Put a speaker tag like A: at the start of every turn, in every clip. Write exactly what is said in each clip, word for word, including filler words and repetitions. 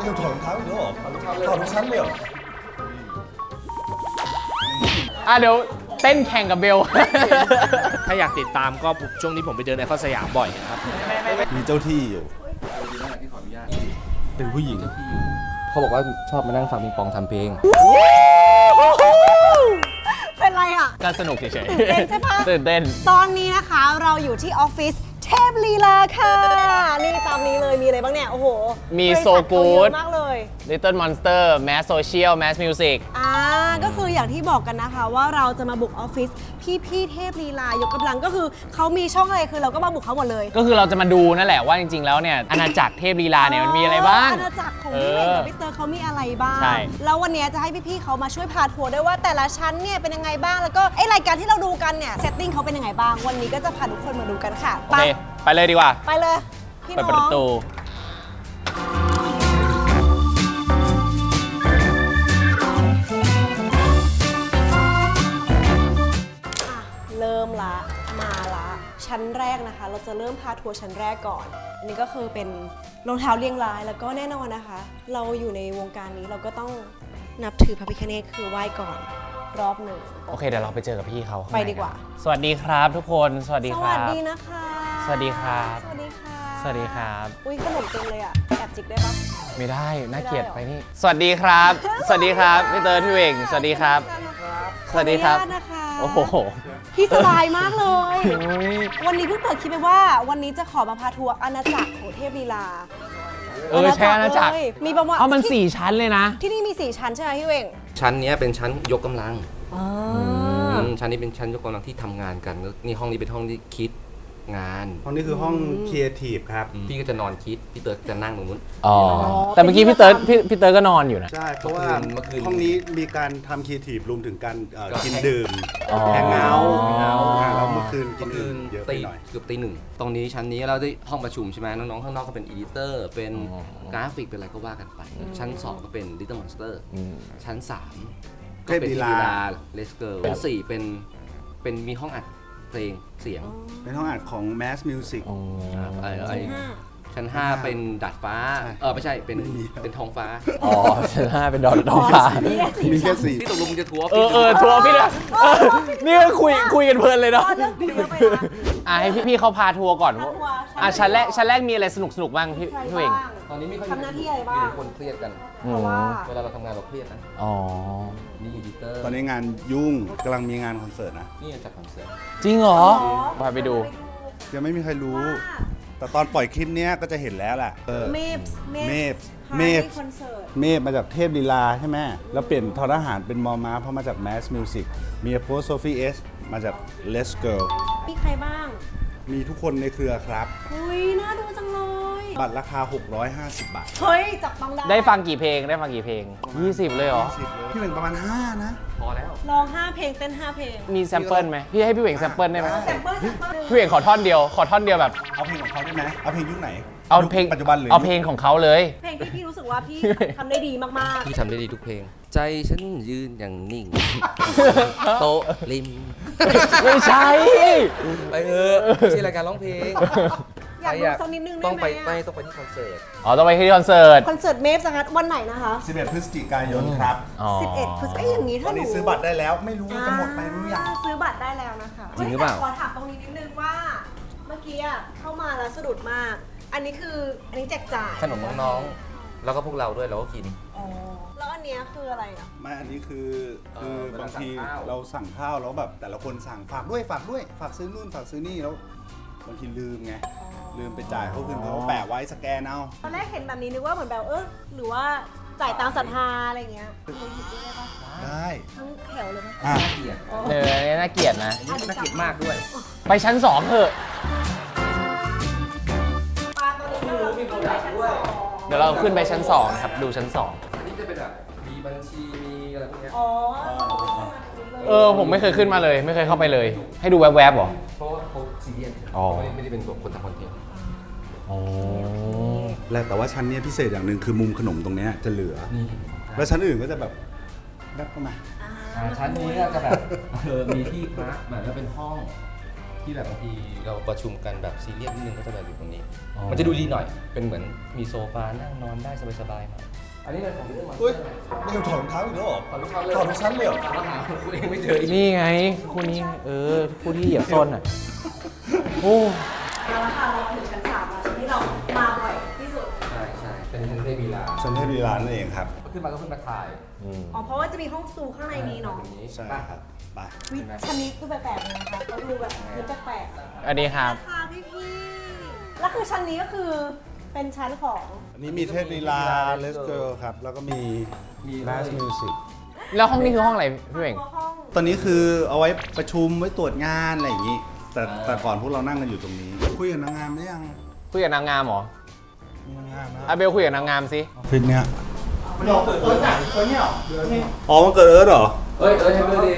A: เดี๋ยวถอดรองเท้าอีกแล้วเหรอถอดทุกชั้นเลยเหรอ
B: อ่ะเดี๋ยวเต้นแข่งกับเบล
C: ถ้าอยากติดตามก็ช่วงนี้ผมไปเดินไอคอนสยามบ่อยนะครับ
A: มีเจ้าที่อยู่เป็นผู้หญิง
D: เขาบอกว่าชอบมานั่งฟังปิงปองทำเพลง
E: เป็นไรอ่ะ
B: ก็สนุกเฉย
E: ตื่นเต้นใช่ปะ
B: ตื่นเต้น
E: ตอนนี้นะคะเราอยู่ที่ออฟฟิศเทพลีลาค่ะ นี่ตามนี้เลยมีอะไรบ้างเนี่ย โอ้โห
B: มี
E: บริษัท
B: So Good
E: เขาเยอะมากเลย
B: Little Monster Mass Social Mass Music
E: อ่าก็คืออย่างที่บอกกันนะคะว่าเราจะมาบุกออฟฟิศพี่พี่ๆเทพลีลายกกำลังก็คือเขามีช่องอะไรคือเราก็มาบุกเขาหมดเลย
B: ก็คือเราจะมาดูนั่นแหละว่าจริงๆแล้วเนี่ยอาณาจักรเทพลีลาเนี่ยมันมีอะไรบ้าง
E: อาณาจักรของพี่เอกกับพี่เตอร์เขามีอะไรบ้าง
B: ใช่
E: แล้ววันนี้จะให้พี่ๆเขามาช่วยพาทัวร์ด้วยว่าแต่ละชั้นเนี่ยเป็นยังไงบ้างแล้วก็ไอรายการที่เราดูกันเนี่ยเซตติ้งเขาเป็นยังไงบ้างวันนี้ก็จะพาทุกคนมาดูกันค่ะ
B: โอเค ไปเลยดีกว่า
E: ไปเลย พี่
B: ไป
E: น้อง
B: เปิดประตู
E: เริ่มละมาละชั้นแรกนะคะ เราจะเริ่มพาทัวร์ชั้นแรกก่อน อันนี้ก็คือเป็นรองเท้าเรียงรายแล้วก็แน่นอนนะคะ เราอยู่ในวงการนี้เราก็ต้องนับถือพระพิฆเนศคือไหว้ก่อนรอบหนึ่ง
B: โอเคเดี๋ยวเราไปเจอกับพี่เขาข้งใน
E: ไปดีกว่า
B: สวัสดีครับทุกคนสวัสดี
E: ส
B: ค
E: วั
B: รั
E: ส
B: บ
E: ดีนะคะ
B: สวัสดีครับ
E: สวัสดีค่ะ
B: สวัสดีครับ
E: อุ้ยขนมเต็มเลยอ่ะแอบจิกได้ปะ
B: ไม่ได้น่าเกลียด
E: ไม่ได้หรอ
B: ไปนี่สวัสดีครับ สวัสดีครับพี่เตอร์พี่เวงสวัสดีครับ สวัสดีครับ
E: ขออนุญาตนะคะ
B: โอ้โห
E: พี่สบายมากเลย
B: อุ๊ย
E: วันนี้เพิ่งเปิดคลิปไปว่าวันนี้จะขอมาพาทัวร์อาณาจักรของเทพลีลา
B: เออใช่อาณาจักร
E: เลยมีประมาณ
B: เอามัน
E: ที่
B: สี่ชั้นเลยนะ
E: ที่นี่มีสี่ชั้นใช่ไหมพี่เวง
D: ชั้นเนี้ยเป็นชั้นยกกำลัง
E: อ๋อ
D: อืมชั้นนี้เป็นชั้นยกกำลังที่ทำงานกันแล้วนี่ห้องนี้เป็นห้องที่คิดงาน
A: ห้องนี้คือห้องครีเอทีฟครับ
D: พี่ก็จะนอนคิด พี่เติร์ดจะนั่งตรงนู้น
B: อ๋อ แต่เมื่อกี้พี่เติร์ดพี่พี่เติร์ดก็นอนอยู่นะ
A: ใช่ เพราะว่า
D: เมื่อคืน
A: ห้องนี้มีการทำครีเอทีฟรวมถึงการเอ่อ
D: ก็
A: กิน
D: แฮง
A: ดื่ม
B: อ๋อ
A: แฮงเอาท์
B: แฮงเอาท์
A: อ่าแล้วเมื่อคืนกิน
D: คื
A: ดื่
D: น
A: มเยอะไป
D: ตี
A: หน่อย
D: เกือบตีหนึ่งตรงนี้ชั้นนี้เราได้ห้องประชุมใช่ไหมน้องๆข้างนอกก็เป็นอีดิเตอร์ เป็นกราฟิกเป็นอะไรก็ว่ากันไป ชั้นสองก็เป็น Little Monster
B: อืม
D: ชั้นสามก็
A: เทพ
D: เป็น
A: ลี
D: ที
A: ลา
D: ลาเลสเกิร์ชั้นสี่เป็นเป็นมีห้องอัดเพลงเสียง
A: เป็นห้องอัดของ Mass Music
B: อ๋อ
D: ครับไอ้ไอ้
E: ห้า
D: ชั้นห้าเป็นดาดฟ้า
A: ใช่
D: เออไม่ใช่เป็น
A: ไม่มีครับ
D: เป็นท้องฟ้า
B: อ๋อชั้นห้าเป็นดอนดองฟ้า
E: นี่แค่สี่
A: มีแค่
E: ชั้น
A: สี่
D: ที่ตกลงมึงจะทัวร์
B: เออเออทัวร์พี่เลยเออนี่ก็คุยคุยกันเพลินเลยเนาะ
E: อ๋อเรื่องคุยเยอะไปนะ
B: อ่ะให้พี่พี่เขาพาทัวร์ก่อน
E: พาทัวร์
B: อ่ะชั้นแรกชั้นแรกมีอะไรสนุกสนุกบ้างพี่
E: ใคร
B: พี่เวง
E: บ้าง
D: ตอนนี้ไม่ค่อย
E: ทำหน้าที่อะไรบ้าง
D: มีแต่คนเครียดกัน
E: เพราะว่า
D: เวลาเราทำงานเราเครียดนะ
B: อ๋อ
D: นี่อีดิเตอร์
A: ตอนนี้งานยุ่งกำลังมีงานคอนเสิร์ตนะ
D: นี่จัดคอนเสิร์ต
B: จริงเหรอ
E: อ๋อ
B: พาไปดู
A: ยังไม่มีใครรู้
E: ว่า
A: แต่ตอนปล่อยคลิปเนี้ยก็จะเห็นแล้วแหละเออ
E: เมฟส์
A: เมฟส์
E: เม
A: เม
E: ฟ
A: ฟส์
E: คอนเสิร์ต
A: เมฟมาจากเทพลีลาใช่ไหมแล้วเปลี่ยนทอทหารเป็นมอม้าเพราะมาจาก Mass Music มีโพสโซฟีเอสมาจาก Let's Girl
E: มีใครบ้าง
A: มีทุกคนในเครือครับ
E: อุ้ยน่าดูจังเลย
A: บัตรราคา หกร้อยห้าสิบ บาท
E: เฮ้ย จับต้องได้
B: ได้ฟังกี่เพลงได้ฟังกี่เพลงยี่สิบเลยเหรอ
A: สิบเลยพี่เป็นประมาณ ห้า นะ
D: พอแล้ว
E: ร้องห้าเพลงเต้นห้าเพลง
B: มีแซมเปิลไหมพี่ให้พี่เวงแซมเปิลได้ไหม
E: แซมเปิลแซมเปิล
B: พี่เวงขอท่อนเดียว ขอท่อนเดียวแบบ
A: เอาเพลงของเขาได้ไหมเอาเพลงยุคไหน
B: เอาเพลง
A: ยุคปัจจุบันหรือ
B: เอาเพลงของเขาเลย
E: เพลงที่พี่รู้สึกว่าพี่ทำได้ดีมาก
D: พี่ทำได้ดีทุกเพลง ใจฉันยืนอย่างนิ่ง โต๊ะริม
B: ไม่ใช่
D: ไปเถอะไม่ใช่รายการร้องเพลง
E: ๆ อยากดูสักนิดนึงได้
D: ต้อง
E: ไห
D: ไป
E: ม
D: ไป
E: อะ
D: ต้องไปที่คอนเสิร์ต
B: อ๋อต้องไปที่คอนเสิร์ต
E: คอนเสิร์ตเมฟสักวันไหนนะคะ
A: สิบเอ็ด พฤศจิกายนครับ
B: อ๋อ
E: สิบเอ็ดพฤศจิกายนอย่างนี้
A: ตอ
E: ถ้าน หนู
A: นี้ซื้อบัตรได้แล้วไม่รู้ว่าจะหมดไปหรือยัง
E: อ่าซื้อบัตรได้แล้วนะคะ
D: จริงหรือเปล่า
E: ขอถามตรงนี้นิดนึงว่า เมื่อกี้อะเข้ามาแล้วสะดุดมาก อันนี้คืออันนี้แจกจ่าย
D: ขนมน้องๆ แล้วก็พวกเราด้วยเราก็กิน
E: อ๋อแล้วอันเนี้ยคืออะไรอ่ะ
A: ไม่อันนี้คือ
D: เอ
A: คือ
D: อเวลา
A: บางที
D: สั่งข้าว
A: เราสั่งข้าวแล้วแบบแต่ละคนสั่งฝากด้วยฝากด้วยฝากซื้อนู่นฝากซื้อนี่แล้วบางทีลืมไงลืมไปจ่ายเขาคืนเขาแปะไว้สแกนเอา
E: ตอนแรกเห็นแบบนี้นึกว่าเหมือนแบบเออหรือว่าจ่ายตามศรัทธาอะไรอย่างเงี้ยเราหยิบได้ปะ
A: ได้
E: ทั้งแถวเลยไหม
A: อ่ะ
D: เกลียด
E: อ๋อ
B: เอออันนี้น่าเกลียดนะ
D: อันนี้น่าเกลียดมากด้วย
B: ไปชั้นสองเถอะ
E: ปลาตัวนี้ก็เราขึ้นไปชั้นสอง
B: เดี๋ยวเราขึ้นไปชั้นสองนะครับ ดูชั้นสอง
D: อันนี้จะเป็นแบบมีบัญชีมีอะไรพวกเนี้ย
E: อ๋อ
B: เออ ผมไม่เคยขึ้นมาเลย ไม่เคยเข้าไปเลย ให้ดูแวบๆเหรอ
D: เพราะว่าเขาซีเรียส
B: อ๋อ
D: ไม่ได้ไม่ได้เป็นแบบคนทำคอนเทนต์
B: อ๋อ
A: แล้วแต่ว่าชั้นเนี้ยพิเศษอย่างหนึ่งคือมุมขนมตรงเนี้ยจะเหลือ
D: นี่
A: แล้วชั้นอื่นก็จะแบบแบกเข้ามา
D: อ่าชั้นนี้ก็จะแบบเออมีที่พักแบบแล้วเป็นห้องที่แบบบางทีเราประชุมกันแบบซีเรียสนิดนึงก็จะแบบอยู่ตรงนี้
B: อ๋อ
D: มันจะดูดีหน่อย เป็นเหมือนมีโซฟานั่งนอนได้สบายๆหน่อยอันนี้เป็นของเรื่องมัน
A: เฮ้ยไม่ถอดรองเท้าอีกแล้วเหรอ
D: ถอดทุกชั้นเลย
A: ถอดทุกชั้นเลยเหรอ
D: ถามหาคุณเองไม่เจออีก
B: นี่ไงคู่นี้เออคู่ที่เหยียบส้นอ่ะโอ้
E: เอาละค่ะเราถึงชั้นสามแล้วชั้นที่เรามาบ่อยที่สุด
D: ใช่ใช่เป็นชั้นเทพวีลา
A: ฉันให้ดีร้านนั่นเองครับ
D: ขึ้นมาก็ขึ้นมาถ่าย
B: อืม
E: อ๋อเพราะว่าจะมีห้องสตูข้างในนี้เนาะ
D: ตรงนี้
A: ใช่ครับไป
E: วิชั้นนี้คือแปลกๆเลยนะคะก็ดูแบบมีแปลกๆ
B: อันนี้ครับ
E: ราคาพี่พี่ๆแล้วคือชั้นนี้ก็คือเป็นชั้นของ
A: อันนี้มีเทพลีลาเลสเกิลครับ แล้วก็มี
D: มี
A: แมสมิวสิก
B: แล้วห้องนี้คือห้องอะไรพี่เวง
E: ห้อง
A: ตอนนี้คือเอาไว้ประชุมไว้ตรวจงานอะไรอย่างนี้ แต่แต่ก่อนพวกเรานั่งกันอยู่ตรงนี้ คุยกับนางงามได้ยัง
B: คุยกับนางงามเหรอ
A: มีนางงามนะ
B: อาเบลคุยกับนางงามสิ
A: ออฟฟิศเนี้ยมันออกเกิดเอิร์ธอ่ะตัวเนี้ยอ๋อมันเกิดเอิร์ธเหรอ
D: เฮ้ยเอ้ยให้เบอร์ดี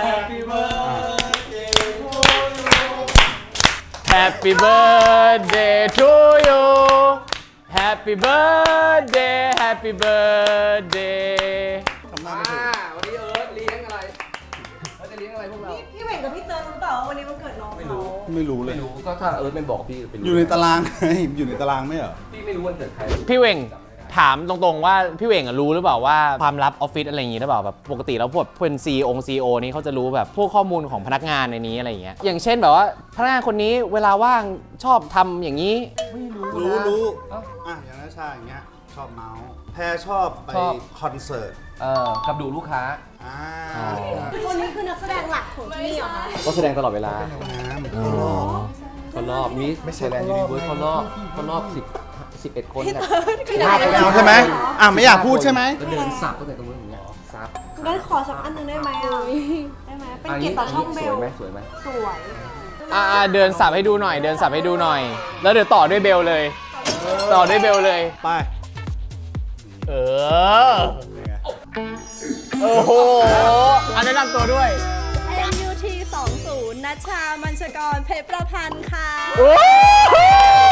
B: Happy birthday to you Happy birthday Happy birthday
A: ทำหน้าไม่ถูก
D: วันนี้เอิร์ธเลี้ยงอะไรเขาจะเลี้ยงอะไรพวกเรา
E: พี่เหว่งกับพี่เติร์นรู้เปล่าว่าวันนี้วันเกิดน้องเขา
A: ไม่รู้เล
D: ไม่
A: ย
D: รู้ก็ถ้าเอิร์ธไม่บอกพี่ไปรู้
A: อยู่ในตาราง ไงอยู่ในตารางไม่เหรอ
D: พี่ไม่รู้วันเกิดใคร
B: พี่เวงถามตรงๆว่าพี่เวงอะรู้หรือเปล่าว่าความลับออฟฟิศอะไรอย่างงี้หรือเปล่าแบบปกติแล้วพวกเป็นซีองซีโอนี้เขาจะรู้แบบพวกข้อมูลของพนักงานในนี้อะไรอย่างเงี้ยอย่างเช่นแบบว่าพนักงานคนนี้เวลาว่างชอบทำอย่างนี้
D: ไม่รู้
A: รู้รู้
D: เอ้า
A: อ่ะอย่างนั้นชาอย่างเงี้ยชอบเมาส์แพรชอบไป
D: ชอบ
A: คอนเสิร์ต
D: เออกับดูลูกค้า
A: อ่า
B: อ๋อ
E: คนนี้คือนักแสดงหลักของที่นี่เหรอคะ
D: ก็แสดงตลอดเวลา
A: น้ำเข้ารอบ
D: เขารอบมิส
A: ไม่ใช่
D: ไทยแลนด์
A: เขา
D: ยู
A: ร
D: นิ
A: อบ
D: เวิร์สเขารอบเขารอบสิบสิบเอ็ดคนน่ะ
A: ไม่เอาใช่ไหมอ่ะไม่อยากพูดใช่ไหม
D: แล้วเดินสับตั้งแต่ตรงนู้นอย่างเงี้ยสับ
E: งั้นขอสักอันหนึงได้ไหมอ่ะได้ไหมเป็นเกียรติต่อช่องเบ
D: ส
E: ล
D: วยไหมสวยไหม
E: สวย
B: อ่าเดินสับให้ดูหน่อย เดินสับให้ดูหน่อย แล้วเดี๋ยวต่อด้วยเบลเลย ต่อด้วยเบลเลย
A: ไป
B: เออโอ้โหอันแนะนำตัวด้วย
F: เอ็ม ยู ที สองศูนย์ นัชชา มัญชกร เพชรประพันธ์ค่ะ
B: โอ้โห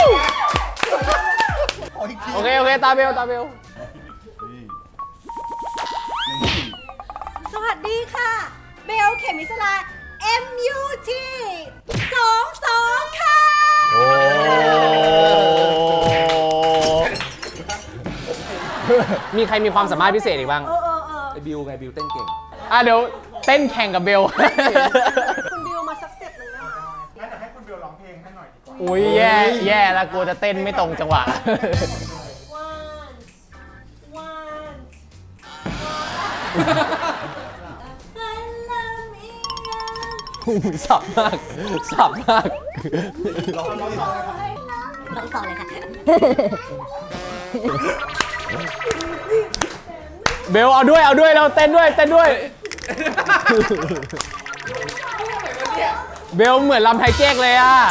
B: โอเค โอเค ตาเบล ตาเบล
F: สวัสดีค่ะ เบล เขมิสลา เอ็ม ยู ที สองสอง ค่ะ
B: โอ้มีใครมีความสามารถพิเศษอีกบ้าง
E: เออเออเออ
D: ไอ้บิวไงบิวเต้นเก่ง
B: อ่ะเดี๋ยวเต้นแข่งกับเบล
E: คุณบิวมาสักสเต็ปหนึ่งได้ไหม
B: อุ้ยแย่แย่แล้วกลัวจะเต้นไม่ตรงจังหวะ
E: one one
B: สับมาก สับมาก
F: ต้องต่อเลยค่ะ
B: เบลเอาด้วย เอาด้วยเราเต้นด้วย เต้นด้วย เบลเหมือนลำไทยเก๊กเลยอ่ะ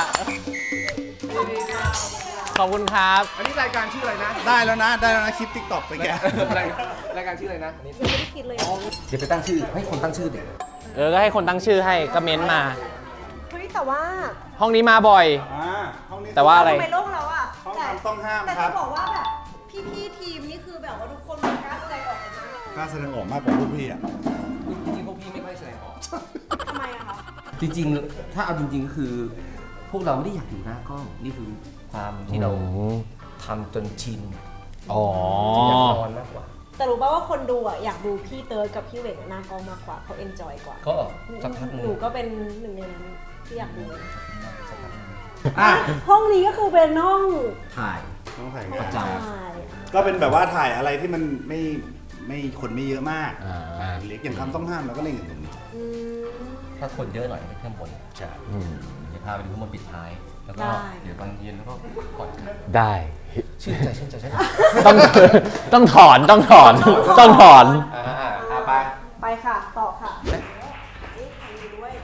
B: ขอบคุณครับ
D: อันนี้รายการชื่ออะไรนะ
A: ได้แล้วนะ ได้แล้วนะคลิปติ๊กต็อกไปแก
D: รายรายการชื่ออะไรนะอันนี้
E: ไม่ได้คิดเลย
D: เดี๋ยวไปตั้งชื่อให้คนตั้งชื่อเด็ก
B: เออ ก็ให้คนตั้งชื่อให้ก็เม้นต์มา
E: เฮ้ยแต่ว่า
B: ห้องนี้มาบ่อย
A: อ่าห้องนี้
B: แต่ว่าอะไร
E: ทำไมโลกเราอ่ะ
A: ห้อง
E: แต่
A: ทำต้องห้าม
E: แต่
A: ครั
E: จะ
A: บ
E: บอกว่าแบบพี่ๆทีมนี่คือแบบว่าทุกคนมันกล้าแสดงออกกันมาก
A: กล้าแสดงออกมากกว่าพวกพี่อ่ะ
D: จริงๆพวกพี่ไม่ค่อยแสดงออก
E: ทำไมอะคะ
D: จริงๆ ถ้าเอาจริงๆก็คือ พวกเราไม่ได้อยากอยู่หน้ากล้อง นี่คือความที่เราทำจนชิน
B: อ๋อ
D: อยากนอนมากกว่า
E: แต่รู้ป่าว่าคนดูอ่ะอยากดูพี่เติร์ดกับพี่เหว่งหน้ากล้องมากกว่าเขาเอนจอยกว่า
D: ก็สักพักหนึ
E: ห
D: ง
E: นูก็เป็นหนึ่งในนั้นที่อยากดู
A: อ่ะ
E: ห้องนี้ก็คือเป็นห้อง
D: ถ่าย
A: ต้องถ่าย
D: ประจ
E: ถ่าย
A: ก็เป็นแบบว่าถ่ายอะไรที่มันไม่ไม่คนไม่เยอะมาก
B: อ่า
A: อ่าเล็กอย่างคำต้องห้ามเราก็เล่นกันตรงนี้
E: อืม
D: ถ้าคนเยอะหน่อยไปเครื่องบน
A: ใช่
B: อืม
D: เดี๋ยวพาไปดูข้างบนปิดท้าย แล้วก็
E: ได้
D: เดี๋ยวตอนเย็นแล้วก็กอดกัน
B: ได้
D: ชื่นใจชื่นใจชื่นใจ
B: ต้อง ต้องถอน ต้องถอน ต้องถอน
D: อ่าอ่าอ่าไป
E: ไปค่ะต่อค่ะนี่ใครดูด้วย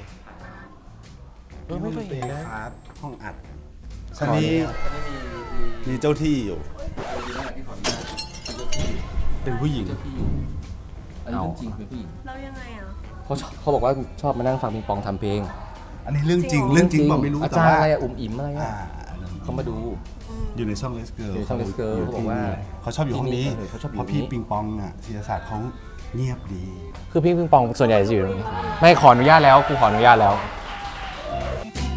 B: เออไม่เคยเห็นเลย
A: ครับ ห้องอัดชั้นนี้
D: อันนี้มีมี
A: มีเจ้าที่อยู่
D: มีนั่นแหละที่ขออนุญาต
A: เป็นผู้หญิง
D: เจ้าที่อยู่อันนี้เรื่องจริงเป็นผู้หญิง
E: แล้วยังไงอ่ะ
D: เขาชอบเขาบอกว่าชอบมานั่งฟังปิงปองทำเพลง
A: อันนี้เรื่องจริง เรื่องจริงบอกไม่รู้
D: อา
A: แต่
D: จารย์
A: ว่า
D: อะไรอะอุ่มอิ่มอะไร
A: อ่า
D: อะเขามาดู
A: อยู่ในช่องเลสเกิร์
D: อยู่ในช่อง Les Girl เขาบอกว่า
A: เขาชอบอยู่ห้องนี้
D: เออเขาชอบอยู่
A: เพราะพี่
D: นี้
A: ปิงปองอ่ะศิลศาสตร์เขาเงียบดี
B: คือพี่ปิงปองส่วนใหญ่จะอยู่ตรงนี้ ไม่ขออนุญาตแล้วกูขออนุญาตแล้ว
E: เ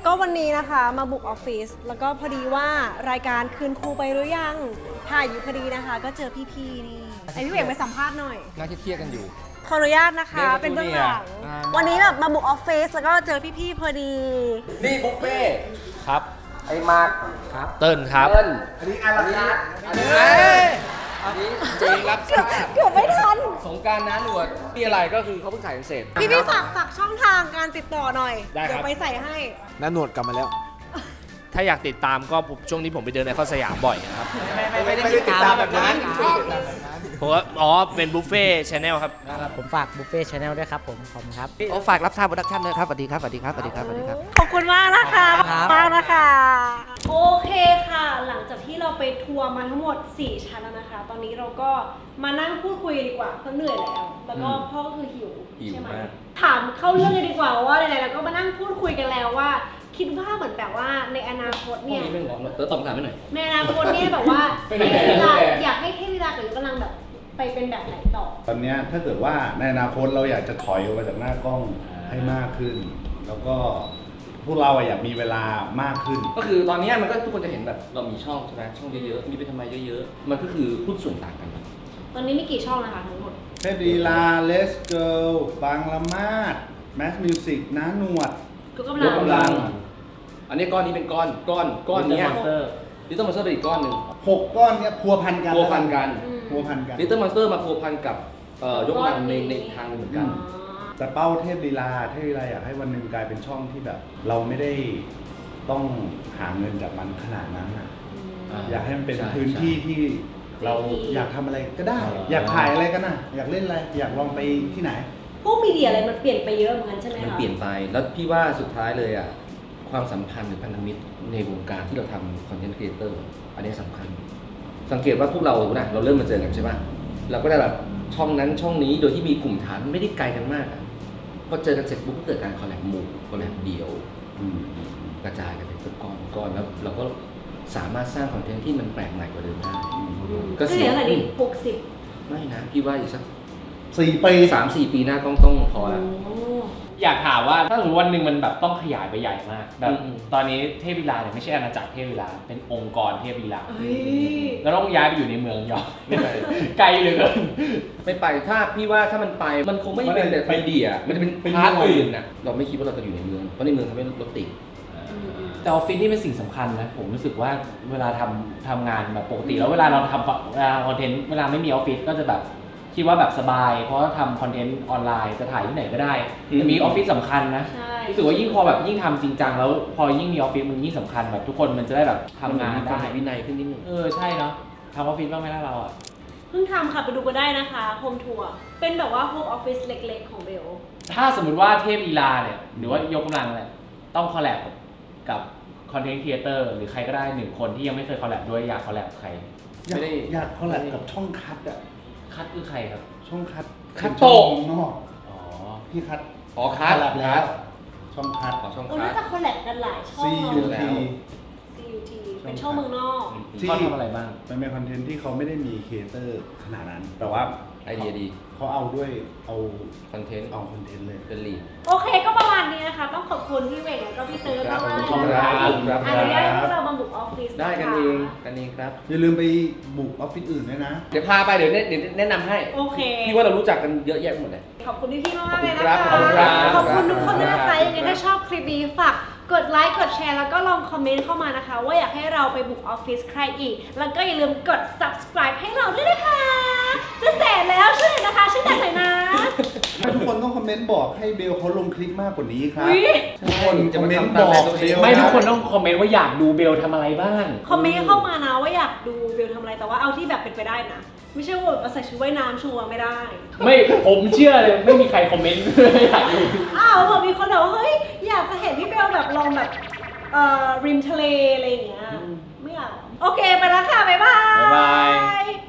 E: ก็วันนี้นะคะมาบุกออฟฟิศแล้วก็พอดีว่ารายการคืนครูไปหรือยังถ่ายอยู่พอดีนะคะ ก็เจอพี่ๆนี่ไอพี่เอกไปสัมภาษณ์หน่อย
D: น่าเครียดกันอยู่
E: ขออนุญาตนะคะ
D: เรียกว่า
E: เป็นเบื้องหลัง
D: อ่า
E: วันนี้แบบมาบุกออฟฟิศแล้วก็เจอพี่ๆพอดี
D: นี่บุฟเฟ่
C: ครับ
D: ไอ้มาร์ค
C: เติ้ลครับ
D: เติ้ลอันนี้อาราคาร์ทอันนี้อันนี้เจงรับทราบ
E: เกือบไม่ทัน
D: สงกรารน้าหนวดมีอะไรก็คือเขาเพิ่งขายเสร็จ
E: พี่ๆฝากฝากช่องทางการติดต่อหน่อย
C: ได้ครับ
E: เดี๋ยวไปใส่ให้
G: น้าหนวดกลับมาแล้ว
C: ถ้าอยากติดตามก็ช่วงนี้ผมไปเดินไอคอนสยามบ่อยนะครับ
G: ไม่ได้ติดตามแบบนั้น
C: ผมว่าอ๋อ เป็นบุฟเฟ่ชแนลครับ
H: ผมฝากบุฟเฟ่ชาแนลด้วยครับผมขอบคุณครับ
D: โอ้ฝากรับทราบโปรดักชั่นด้วยครับสวัสดีครับสวัสดีครับสวัสดีครับสวัสดีครับ
E: ขอบคุณมากนะคะ
H: ครับ
E: มากนะคะ โอเคค่ะ หลังจากที่เราไปทัวร์มาทั้งหมด สี่ ชั้นแล้วนะคะ ตอนนี้เราก็มานั่งพูดคุยดีกว่าเพราะเหนื่อยแล้ว แล้วก็พ่อก็คือหิว
D: หิว
E: ใช่ไหม
D: มาก
E: ถามเข้าเรื่องเลยดีกว่าว่าไหนๆเราก็มานั่งพูดคุยกันแล้วว่า คิดว่าเหมือนแบบว่าในอนาคต
D: พวก
E: เนี่ย
D: นี้ไม่หงอกเติร์ตตอบคำถามไม่หน่อย
E: ในอนาคตเนี่ยแบบว่า
D: ไปไหน
E: เทพวิลา
D: ไปไหน
E: อยากให้เทพวิลากับยุกำลังแบบไปเป็นแบบไหนต่อ
A: ตอนเนี้ยถ้าเกิดว่าในอนาคตเราอยากจะถอยออกมาจากหน้ากล้องให้มากขึ้น แล้วก็พวกเราอะอยากมีเวลามากขึ้น
D: ก็คือตอนนี้มันก็ทุกคนจะเห็นแบบเรามีช่องใช่ไหมช่องเยอะๆ มีไปทำไมเยอะๆ มันก็คือหุ้นส่วนต่างกัน
E: ตอนนี้มีกี่ช่องนะคะทั้งหมด
A: เทพลีลาเลสเกิลบางละมาดแมสมิวสิกน้าหนวด
E: ก็กำ
D: ย
E: ลั
D: ก
E: ง
D: กำลัง อันนี้ก้อนนี้เป็นก้อน ก้อน ก้อนเนี้ย
C: Little Monster
D: ลิตเติ้ลมอนสเตอร์เป็นอีกก้อนหนึ่ง
A: หกก้อนเนี้ยพัวพันกัน
D: พัวพันกัน
E: อืม
A: พัวพันกัน
D: ลิตเติ้ลมอนสเตอร์มาพัวพันกับเอ่อยกกำลังในในทางหนึ่งเหมือนกัน
A: แต่เป้าเทพลีลาเทพลีลาอยากให้วันหนึ่งกลายเป็นช่องที่แบบ เราไม่ได้ต้องหาเงินจากมันขนาดนั้นอะ
D: อ่า
A: อยากให้มันเป็น
D: ใช่
A: พื้นที่ที่เราอยากทำอะไรก็ได้
D: อ่า
A: อยากถ่ายอะไรก็นะอยากเล่นอะไรอยากลองไปที่ไหน
E: พวกมีเดียอะไรมันเปลี่ยนไปเยอะเหมือนกันใช่ไหมคะ
D: มันเปลี่ยนไป แล้วพี่ว่าสุดท้ายเลยอ่ะ ความสัมพันธ์หรือพันธมิตรในวงการที่เราทำคอนเทนต์ครีเอเตอร์อันนี้สำคัญ สังเกตว่าพวกเรานะเราเริ่มมาเจอกันใช่ป่ะเราก็ได้แบบช่องนั้นช่องนี้โดยที่มีกลุ่มฐานไม่ได้ไกลกันมากอะพอเจอกันเสร็จปุ๊บก็เกิดการคอลแลบหมู่คอลแลบเดียว
A: อืม
D: กระจายกันเป็นก้อนก้อนแล้วเราก็สามารถสร้างคอนเทนต์ที่มันแปลกใหม่กว่าเดิมได้
E: อืม
D: ก็
E: ก็
D: เสี
E: เสี
D: ย
E: ยเท่าไหร่ดิหกสิบ
D: ไม่นะพี่ว่าอีกสัก
A: สี่ปี
D: สามสี่ปีหน้าต้องต้องพอแล้ว
E: โอ้
B: อยากถามว่าถ้าสมมติวันหนึ่งมันแบบต้องขยายไปใหญ่มากแบบ
D: อืม
B: ตอนนี้เทพวิลาเนี่ยไม่ใช่อาณาจักรเทพวิลาเป็นองค์กรเทพวิลา
E: เฮ้ย
B: แล้วต้องย้ายไปอยู่ในเมืองยอร์ก ไกลเหลือเกิน
D: ไม่ไปถ้าพี่ว่าถ้ามันไปมันคงไม่ได้เป็นแบบไอเดียมันจะเป็น
A: เป็น
D: พาร์ท
A: หน่วย
D: อื่นน่ะเราไม่คิดว่าเราจะอยู่ในเมืองเพราะในเมืองทำให้รถติด
B: แต่ออฟฟิศนี่เป็นสิ่งสำคัญนะผมรู้สึกว่าเวลาทำทำงานแบบปกติแล้วเวลาเราทำเวลาคอนเทนต์เวลาไม่มีออฟฟิศก็จะแบบคิดว่าแบบสบาย เพราะว่าทำคอนเทนต์ออนไลน์จะถ่ายที่ไหนก็ได้แต่มีออฟฟิศสำคัญนะ
E: ใช่
B: รู้สึกว่ายิ่งพอแบบยิ่งทำจริงจังแล้วพอยิ่งมีออฟฟิศมันยิ่งสำคัญแบบทุกคนมันจะได้แบบทำงาน
D: มีความ
B: ได้
D: วินัยขึ้นนิดนึง
B: เออใช่เนาะทำออฟฟิศบ้างไหมล่ะเราอ่ะ
E: เพิ่งทำค่ะไปดูกันได้นะคะโฮมทัวร์เป็นแบบว่าโฮมออฟฟิศเล็กๆของเบล
B: ถ้าสมมติว่าเทพลีลาเนี่ยหรือว่ายกกำลังเนี่ยต้องคอลแลบกับคอนเทนต์ครีเอเตอร์หรือใครก็ได้หนึ่งคนที่ยังไม่เคยคอลแลบด้วยอยากคอลแลบกับใคร
A: อยาก
D: ไม่ได้
A: อยากคอลแลบกับช่องคัดอะ
B: คัดคือใครครับ
A: ช่องคัด
D: คัด
A: เป็นช่อง
D: โตะ
A: เมืองนอก
B: อ๋อ
A: พี่คัด
D: อ๋อคัด
A: คอลแลบแล้ว ช่องคัด
D: ขอช่อง
E: เรา
D: คั
E: น่า
D: ด
E: จะคอลแลบกันหลายช่อง
A: ซี ยู
D: แล้
A: ที
D: ว
E: ซี ยู ที เป็นช่องเมืองนอก
A: ที่
B: เขาทำอะไรบ้าง
A: มันเป็นคอนเทนต์ที่เขาไม่ได้มีครีเอเตอร์ขนาดนั้น แต่ว่า
D: ไอเดียดี
A: เขาเอาด้วยเอา
D: คอนเทนต์
A: เอาคอนเทนต์เลย
D: เป็นลีด
E: โอเคก็ประมาณนี้นะคะ ต้องขอบคุณพี่เวงแล้วก็พี่เติร์ด
D: ครั
E: มา
D: บ
E: กๆ
D: ขอบคุณ
E: นะ
D: ครั
E: คะ
D: บ
E: ที่
D: ครับ
E: อนุญาตให้พวกเรามาบุกออฟฟิศ
D: ได้กันเองกันเองครับ
A: อย่าลืมไปบุกออฟฟิศอื่นด้วยนะ
D: เดี๋ยวพาไปเดี๋ยวแนะเดี๋ยวแนะนำให้
E: โอเค
D: พี่ว่าเรารู้จักกันเยอะแยะหมดเลย
E: ขอบคุณพี่ๆมากๆเลยนะ
D: ขอบ
E: คะ
D: คุณครับ
E: ขอบคุณทุกคนด้วยนะ
D: ครั
E: คะ
D: บ
E: ยังไงถ้าชอบคลิปนี้ฝากกดไลค์ กดแชร์ แล้วก็ลองคอมเมนต์เข้ามานะคะ ว่าอยากให้เราไปบุกออฟฟิศใครอีก แล้วก็อย่าลืมกด subscribe ให้เราด้วยนะคะ จะแสนแล้วช่วยหน่อยนะคะช่วยดันหน่อยนะ
A: ให้ทุกคนต้องคอมเมนต์บอกให้เบลเขาลงคลิปมากกว่านี้ครับ
E: อุ๊ย
A: ทุกคน
D: จะ
A: คอม
D: มา
A: เมนต์
D: ทำ
A: บ
D: ตาม
A: อก
D: ใจตัวเอง
A: เบล
B: ไม่
A: นะ
B: ทุกคนต้องคอมเมนต์ว่าอยากดูเบลทำอะไรบ้าง
E: คอมเมนต์เข้ามานะว่าอยากดูเบลทำอะไร แต่ว่าเอาที่แบบเป็นไปได้นะ ไม่ใช่ว่าแบบมาใส่ชุดว่ายน้ำชัวร์ไม่ได้
B: ไม่ผมเชื่อเลยไม่มีใครคอมเมนต์ อยากดู
E: อ้าวผมมีคนบอกว่าเฮ้ยอยากจะเห็นพี่เบลแบบลองแบบเอ่อริมทะเลอะไรอย่างเงี้ย ไม่อยาก โอเคไปแล้วค่ะ บ๊ายบาย
B: บ๊ายบาย